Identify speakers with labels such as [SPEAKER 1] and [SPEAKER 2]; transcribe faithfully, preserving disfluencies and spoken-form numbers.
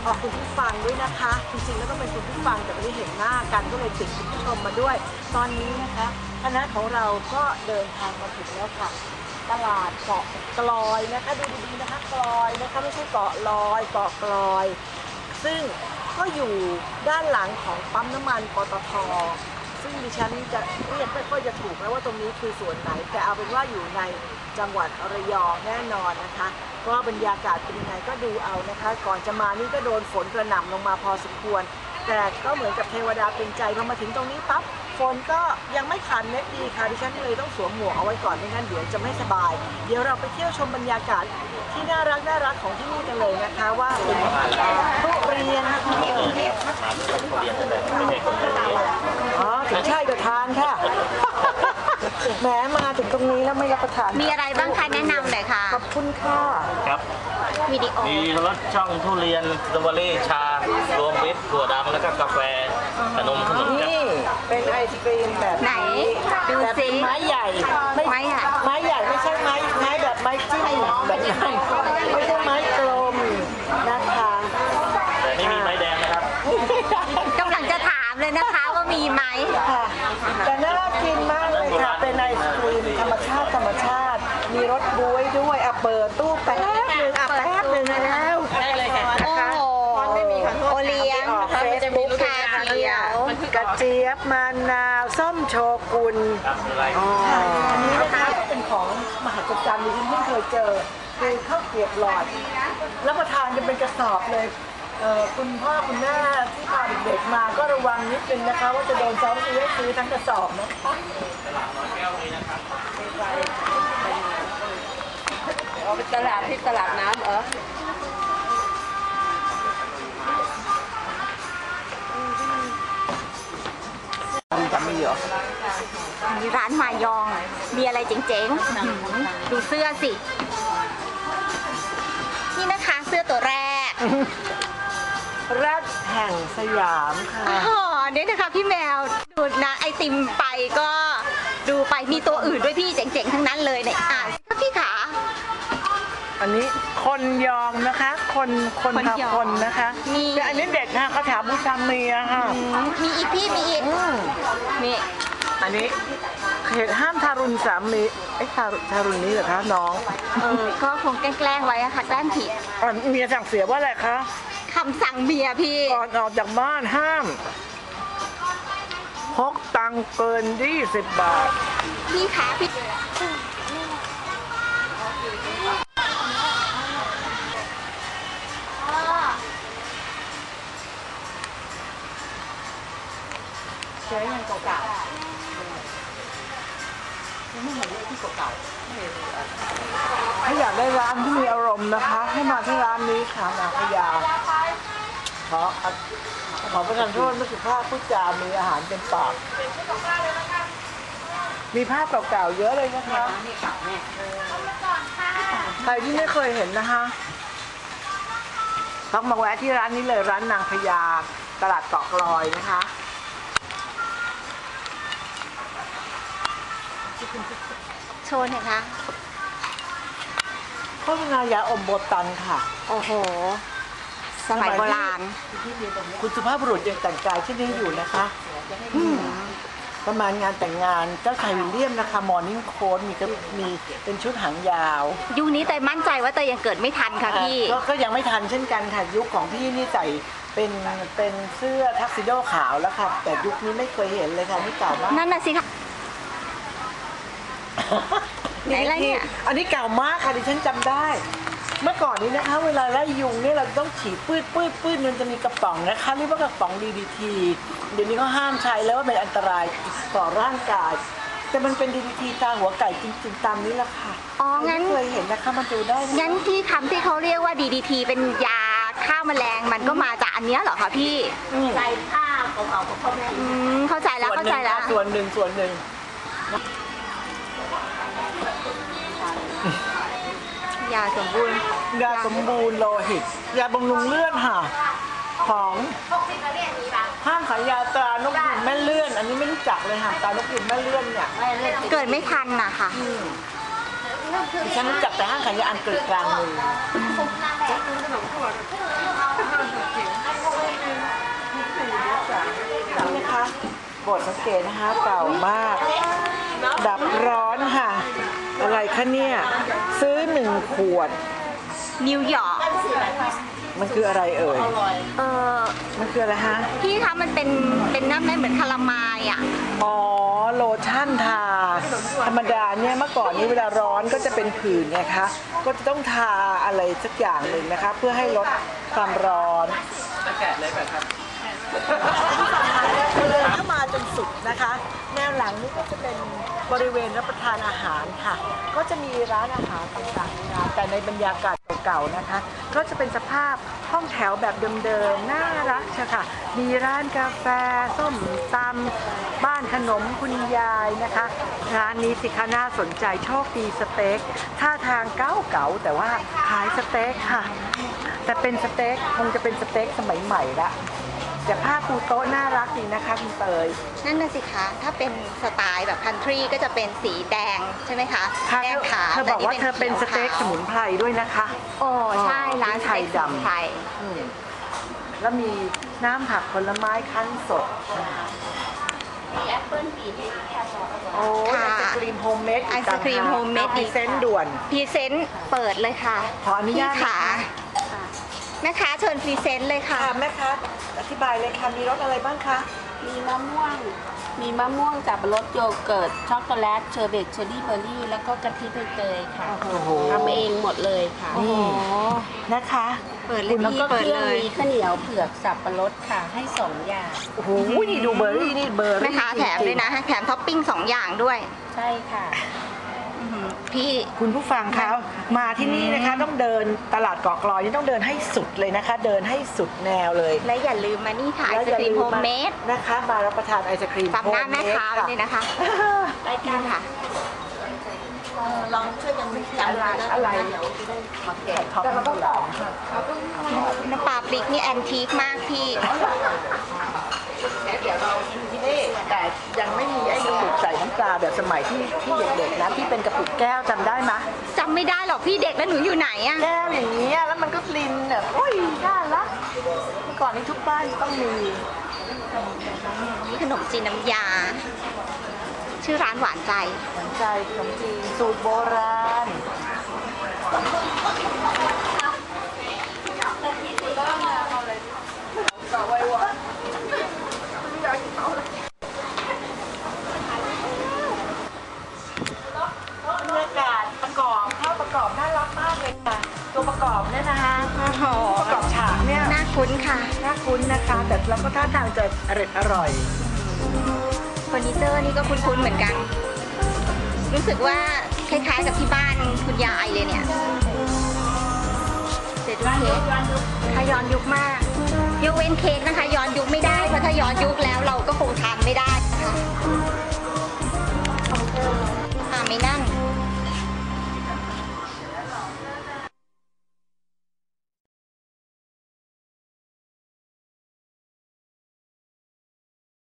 [SPEAKER 1] ออกคุณผู้ฟังด้วยนะคะจริงๆแล้วก็เป็นคุณผู้ฟังแต่ไม่ได้เห็นหน้ากันก็เลยติดคุณผู้ชมมาด้วยตอนนี้นะคะคณะของเราก็เดินทางมาถึงแล้วค่ะตลาดเกาะกลอยนะคะดูดีๆนะคะกลอยนะคะไม่ใช่เกาะลอยเกาะกลอยซึ่งก็อยู่ด้านหลังของปั๊มน้ำมันปตท.ซึ่งดิฉันจะเรียกไม่ค่อยจะถูกแล้วว่าตรงนี้คือส่วนไหนแต่เอาเป็นว่าอยู่ในจังหวัดระยองแน่นอนนะคะเพราะบรรยากาศเป็นยังไงก็ดูเอานะคะก่อนจะมานี่ก็โดนฝนกระหน่ำลงมาพอสมควรแต่ก็เหมือนกับเทวดาเป็นใจพอมาถึงตรงนี้ปั๊บฝนก็ยังไม่ขันเม็ดดีค่ะดิฉันเลยต้องสวมหมวกเอาไว้ก่อนไม่งั้นเดี๋ยวจะไม่สบายเดี๋ยวเราไปเที่ยวชมบรรยากาศที่น่ารักน่ารักของที่นี่กันเลยนะคะว่าเป็นทุเรียนอ๋อถึงใช่ก็ทานค่ะแหมมาถึงตรงนี้แล้วไม่รับประทาน
[SPEAKER 2] มีอะไรบ้างคะแนะนำหน่อยค่ะ
[SPEAKER 1] ขอบคุณค่ะ
[SPEAKER 3] ครับ
[SPEAKER 2] วิดีโอ
[SPEAKER 3] มีรสช่องทุเรียนสตรอเบอรี่ชารวมมิตรถั่วดำแล้วก็กาแฟขนมขนม
[SPEAKER 1] นี่เป็นไอศกรีมแบบ
[SPEAKER 2] ไหนดูสิ
[SPEAKER 1] ไม้ใหญ่
[SPEAKER 2] ไม้ใหญ่
[SPEAKER 1] ไม้ใหญ่ไม่ใช่ไม้ไม้แบบไม้จิ้มแบบนั้นไม่ใช่ไม้กลมนะคะ
[SPEAKER 3] แต่ไม่มีไม้แดงนะครับ
[SPEAKER 2] กำลังจะถามเลยนะคะว่ามีไหม
[SPEAKER 1] ค่ะแต่น่ากินมากเลยค่ะเป็นไอศกรีมธรรมชาติธรรมชาติมีรสบ๊วยด้วยอ่ะเปิดตู้แป๊บหนึ่งอ่ะแป๊บหนึ่งแล้ว
[SPEAKER 2] ได้เลยค่ะโอ้โหโอเลี้ยงมันจะมีลูกค้าเดียว
[SPEAKER 1] กระเจี๊ยบมะนาวส้มโชกุนอ๋ออันนี้นะคะเป็นของมหัศจรรย์ที่ฉันเพิ่งเคยเจอคือข้าวเกรียบหลอดรับประทานกันเป็นกระสอบเลยคุณพ่อคุณแม่ที่พาเด็กๆมาก็ระวังนิดนึงนะคะว่าจะโดนซ้อมซื้อซื้อทั้งกระสอบนะคะ
[SPEAKER 4] เอาไปตลาดที่ตลาดน้ำเหรอ
[SPEAKER 1] จำไม่เยอะ
[SPEAKER 2] มีร้านมายองมีอะไรเจ๋งๆดูเสื้อสินี่นะคะเสื้อตัวแรก
[SPEAKER 1] แรกแห่งสยามค่ะ
[SPEAKER 2] อ๋อเนี่ยนะคะพี่แมวดูนะไอติมไปก็ดูไปมีตัวอื่นด้วยพี่เจ๋งๆทั้งนั้นเลยเนี่ยอ่านพี่ขา
[SPEAKER 1] อันนี้คนยองนะคะคนคนทับคนนะคะแต่อันนี้เด็กค่ะคาถาบูชาเมียค่ะ
[SPEAKER 2] มีอีกพี่มีอีกนี่
[SPEAKER 1] อันนี้เหตุห้ามทารุณสามีไอ้ทาทารุณนี้เหรอคะน้อง
[SPEAKER 2] เออก็คงแกล้งไว้อะค่ะแกล้งผิด
[SPEAKER 1] เมียสั่งเสียว่าอะไรคะ
[SPEAKER 2] คำสั่งเมียพี่
[SPEAKER 1] ก่อนออกจากบ้านห้ามพกตังเกินยี่สิบบาท
[SPEAKER 2] พี่ขาพี่
[SPEAKER 1] ใช้เงินเก่าๆไม่เหมือนที่เก่าๆถ้าอยากได้ร้านที่มีอารมณ์นะคะให้มาที่ร้านนี้ค่ะนางพญาขอขอประทานโทษไม่สุภาพพูดจามีอาหารเป็นปากมีภาพเก่าๆเยอะเลยนะคะใครที่ไม่เคยเห็นนะคะต้องมาแวะที่ร้านนี้เลยร้านนางพญาตลาดเกาะกลอยนะคะ
[SPEAKER 2] โชว์หน่อยคะ
[SPEAKER 1] โฆษณายาอมโบตันค่ะ
[SPEAKER 2] โอ้โหสมัยโบราณ
[SPEAKER 1] คุณสุภาพบุรุษยังแต่งกายที่นี่อยู่นะคะประมาณงานแต่งงานเจ้าชายวิลเลียมนะคะมอร์นิ่งโค้ทมีก็มีเป็นชุดหางยาว
[SPEAKER 2] ยุคนี้เตยมั่นใจว่าเตยยังเกิดไม่ทันค่ะพี่
[SPEAKER 1] ก็ยังไม่ทันเช่นกันค่ะยุคของพี่นี่ใส่เป็นเป็นเสื้อทักซิโดขาวแล้วค่ะแต่ยุคนี้ไม่เคยเห็นเลยค่ะนี่เก่ามาก
[SPEAKER 2] นั่นน่ะสิค่ะไหนอะไรเนี่ย
[SPEAKER 1] อันนี้เก่ามากค่ะดิฉันจำได้เมื่อก่อนนี้นะคะเวลาไล่ยุงเนี่ยเราต้องฉีดปื้ดปื้ดปื้ดมันจะมีกระป๋องนะคะเรียกว่ากระป๋อง ดี ดี ที เดี๋ยวนี้เขาห้ามใช้แล้วว่าเป็นอันตรายต่อร่างกายแต่มันเป็น ดี ดี ที ตาหัวไก่จริงๆตามนี้แหละค่ะ
[SPEAKER 2] อ๋องั้น
[SPEAKER 1] เคยเห็นนะคะมันดูได้
[SPEAKER 2] งั้นที่คำที่เขาเรียกว่า ดี ดี ที เป็นยาฆ่าแมลงมันก็มาจากอันนี้เหรอคะพี่
[SPEAKER 4] ใส่ผ้าเก่าๆของพ่อแม่
[SPEAKER 2] เข้าใจแล้วเข้าใจแล้ว
[SPEAKER 1] ส่วนหนึ่งส่วนหนึ่ง
[SPEAKER 2] ยาสมบูรณ์
[SPEAKER 1] ยาสมบูรณ์โลหิตยาบำรุงเลือดค่ะของห้างขายยาตรานกหยุดแม่เลื่อนอันนี้ไม่รู้จักเลยค่ะตรานกหยุดแม่เลื่อนเนี่ย
[SPEAKER 2] เกิดไม่ทันน่ะค่ะ
[SPEAKER 1] ดิฉันรู้จักแต่ห้างขายยาอันเกิดกลางเมืองนี่นะคะโบสถ์สังเกตนะคะเก่ามาก ดับร้อนค่ะ อะไรคะเนี่ย ซื้อหนึ่งขวด
[SPEAKER 2] นิวยอร์ก
[SPEAKER 1] มันคืออะไรเอ่ย
[SPEAKER 2] เออ
[SPEAKER 1] มันคืออะไรฮะ
[SPEAKER 2] พี่คะมันเป็นเป็นน้ำไม่เหมือนคาราไมล์อ่ะ
[SPEAKER 1] อ๋อ โลชั่นทา ธรรมดาเนี่ยเมื่อก่อนนี้เวลาร้อนก็จะเป็นผื่นไงคะ ก็จะต้องทาอะไรสักอย่างหนึ่งนะคะ เพื่อให้ลดความร้อนแกะเลยแบบครับเลยเข้ามาจนสุดนะคะ แนวหลังนี่ก็จะเป็นบริเวณรับประทานอาหารค่ะ ก็จะมีร้านอาหารต่างๆนะแต่ในบรรยากาศเก่าๆนะคะ ก็จะเป็นสภาพห้องแถวแบบเดิมๆน่ารักเชียวค่ะ มีร้านกาแฟส้มตำบ้านขนมคุณยายนะคะ ร้านนี้สิคะน่าสนใจโชคดีสเต็กท่าทางเก่าๆแต่ว่าขายสเต็กค่ะ แต่เป็นสเต็กคงจะเป็นสเต็กสมัยใหม่ละแต่ผ้าปูโต๊ะน่ารักดีนะคะคุณเตย
[SPEAKER 2] นั่นน่ะสิคะ ถ้าเป็นสไตล์แบบคันทรีก็จะเป็นสีแดงใช่ไหมคะ
[SPEAKER 1] ค่ะ
[SPEAKER 2] แดงขาว
[SPEAKER 1] เธอบอกว่าเธอเป็นสเต็กสมุนไพรด้วยนะคะ
[SPEAKER 2] โอ้ใช่ร้านส
[SPEAKER 1] ไทย
[SPEAKER 2] เต็กสมุน
[SPEAKER 1] ดำ
[SPEAKER 2] ไพร
[SPEAKER 1] อืมแล้วมีน้ำผักผลไม้คั้นสดโอ้ยไอศกรีมโฮมเมด
[SPEAKER 2] ไอศกรีมโฮมเมด
[SPEAKER 1] พรีเซนต์ด่วน
[SPEAKER 2] พรีเซนต์เปิดเลยค่ะ
[SPEAKER 1] ขออนุญาต
[SPEAKER 2] พี่ขาแม่ค้าเชิญพรีเซนต์เลยค่ะ
[SPEAKER 1] ค่ะแม่คะอธิบายเลยค่ะมีรสอะไรบ้างคะ
[SPEAKER 4] มีมะม่วง มีมะม่วงสับปะรดโยเกิร์ตช็อกโกแลตเชอร์เบตเชอร์รี่เบอร์รี่แล้วก็กะทิเตยๆค่ะ
[SPEAKER 1] โอ้โห
[SPEAKER 4] ทำเองหมดเลยค่ะ
[SPEAKER 2] โอ้โห
[SPEAKER 1] นะคะ
[SPEAKER 2] เปิดเลย
[SPEAKER 4] แล้ว
[SPEAKER 2] พี่
[SPEAKER 4] ก็
[SPEAKER 2] เปิ
[SPEAKER 4] เค
[SPEAKER 2] ด
[SPEAKER 4] รื่อง
[SPEAKER 2] เลย
[SPEAKER 4] มีข้าวเหนียวเผือกสับปะรดค่ะ ให้สองอย่าง
[SPEAKER 1] โอ้โหนี่ดูเบอร์รี่นี่เบอร์รี่
[SPEAKER 2] แม่ค้าแถมด้วยนะแถมท็อปปิ้งสองอย่างด้วย
[SPEAKER 4] ใช่ค่ะ
[SPEAKER 2] อื้อหือพี่
[SPEAKER 1] คุณผู้ฟังคะมาที่นี่นะคะต้องเดินตลาดเกาะกลอยนี่ต้องเดินให้สุดเลยนะคะ เดินให้สุดแนวเลย
[SPEAKER 2] และอย่าลืมมานี่ค่ะไอ
[SPEAKER 1] แล้ว
[SPEAKER 2] ศ
[SPEAKER 1] อย่าก
[SPEAKER 2] รีม
[SPEAKER 1] ลื
[SPEAKER 2] โฮมเมด
[SPEAKER 1] นะคะมารับประทานไอศครีม
[SPEAKER 2] ฝากหน้าแม่ค้าไว้เลยนะคะ
[SPEAKER 1] ได้ค่ะ
[SPEAKER 2] นี่ค่ะ
[SPEAKER 1] ลองช่วยกันจำอะไรอะไรเดี๋ยวจะได้มาแกะท็อปแต่เราต้องตอบ
[SPEAKER 2] น้ำปลาพริกนี่แอนทีคมากพี่
[SPEAKER 1] เดี๋ยวเราที่นี่แต่ยังไม่มีไอ้กระปุกใส่น้ำปลาแบบสมัยที่ที่เด็กๆนะที่เป็นกระปุกแก้วจำได้ไหม
[SPEAKER 2] จำไม่ได้หรอกพี่เด็กแล้วหนูอยู่ไหนอะ
[SPEAKER 1] แก้วอย่างนี้แล้วมันก็ลินแบบโอ้ยน่ารักเมื่อก่อนนี้ทุกบ้านต้องมี
[SPEAKER 2] นี่ขนมจีนน้ำยา ชื่อร้านหวานใจ
[SPEAKER 1] สนใจขนมจีนสูตรโบราณบรรยากาศประกอบข้าวประกอบน่ารักมากเลยค่ะ ตัวประกอบเนี่ยนะคะ
[SPEAKER 2] โอ้โห
[SPEAKER 1] ประกอบฉากเนี่ย
[SPEAKER 2] น่าคุ้นค่ะ
[SPEAKER 1] น่าคุ้นนะคะ แต่เราก็ท่าทางจะอร่อยอร่อย
[SPEAKER 2] เฟอร์นิเจอร์นี่ก็คุ้นๆเหมือนกัน รู้สึกว่าคล้ายๆกับที่บ้านคุณยายเลยเนี่ยเดี๋ยวดูเค้กค่ะย้อนยุคมาก ยกเว้นเค้กนะคะ ย้อนยุคไม่ได้ เพราะถ้าย้อนยุคแล้วเราก็คงทานไม่ได้ค่ะอ่าไม่นั่ง